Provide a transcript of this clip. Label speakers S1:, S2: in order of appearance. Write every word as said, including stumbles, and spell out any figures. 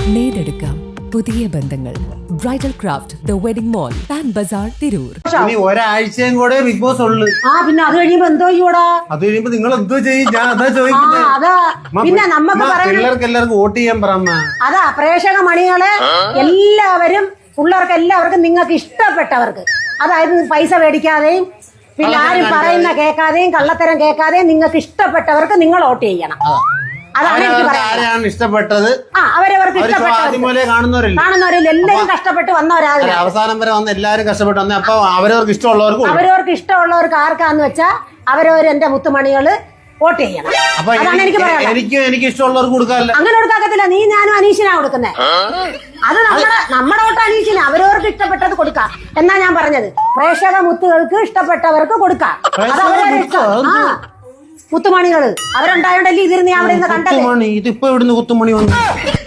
S1: നേടെടുക്കാം പുതിയ ബന്ധങ്ങൾ. Bridal craft the wedding mall, Pan Bazaar, Tirur.
S2: ഇനി ഒരാഴ്ചയും കൂടെ ബിഗ് ബോസ് ഉള്ളു.
S3: ആ പിന്നെ അത് കഴിയുമ്പോ എന്തോ ചെയ്യൂടാ?
S2: അത് കഴിയുമ്പോ നിങ്ങൾ എന്തോ ചെയ്യും? ഞാൻ അതാ ചോദിക്കുന്നത്.
S3: അതാ പിന്നെ നമുക്ക്
S2: പിള്ളേർക്ക് എല്ലാവർക്കും വോട്ട് ചെയ്യാൻ പറ.
S3: അതാ പ്രേക്ഷക മണികളെ എല്ലാവരും പിള്ളേർക്ക് എല്ലാവർക്കും നിങ്ങൾക്ക് ഇഷ്ടപ്പെട്ടവർക്ക്, അതായത് പൈസ മേടിക്കാതെയും പിന്നെ ആരും പറയുന്ന കേൾക്കാതെയും കള്ളത്തരം കേൾക്കാതെയും നിങ്ങൾക്ക് ഇഷ്ടപ്പെട്ടവർക്ക് നിങ്ങൾ വോട്ട് ചെയ്യണം. അതാണ് എനിക്ക്
S2: പറയാൻ ഇഷ്ടപ്പെട്ടത്.
S3: ആ അവരവർക്ക് ഇഷ്ടപ്പെട്ടവരല്ലേ കാണുന്നവരിൽ എല്ലാവരും കഷ്ടപ്പെട്ട് വന്നവരാണ്.
S2: അവസാനം വരെ വന്ന് എല്ലാവരും കഷ്ടപ്പെട്ട് വന്നേ. അപ്പൊ അവരവർക്ക് ഇഷ്ടമുള്ളവർക്ക്
S3: അവരവർക്ക് ഇഷ്ടമുള്ളവർക്ക് ആർക്കാന്ന് വെച്ചാ അവരവർ എന്റെ മുത്തുമണികള് വോട്ട് ചെയ്യണം. അതാണ് എനിക്ക് പറയാം.
S2: എനിക്ക് എനിക്ക് ഇഷ്ടമുള്ളവർക്ക് കൊടുക്കാറില്ല.
S3: അങ്ങനെ കൊടുക്കാക്കത്തില്ല. നീ ഞാനും അനീഷിനാ കൊടുക്കുന്നത്. അത് നമ്മുടെ നമ്മുടെ വോട്ട് അനീഷിന് അവരവർക്ക് ഇഷ്ടപ്പെട്ടത് കൊടുക്കാം എന്നാ ഞാൻ പറഞ്ഞത്. പ്രേക്ഷക മുത്തുകൾക്ക് ഇഷ്ടപ്പെട്ടവർക്ക് കൊടുക്കാം. അത് അവരവരുടെ ഇഷ്ടം. ആ മുത്തുമണികള് അവരുണ്ടായോണ്ടല്ലേ ഇതിരുന്ന് ഞാൻ അവിടെ നിന്ന് കണ്ടത്.
S2: ഇതിപ്പോ ഇവിടുന്ന് കുത്തുമണി വന്നു.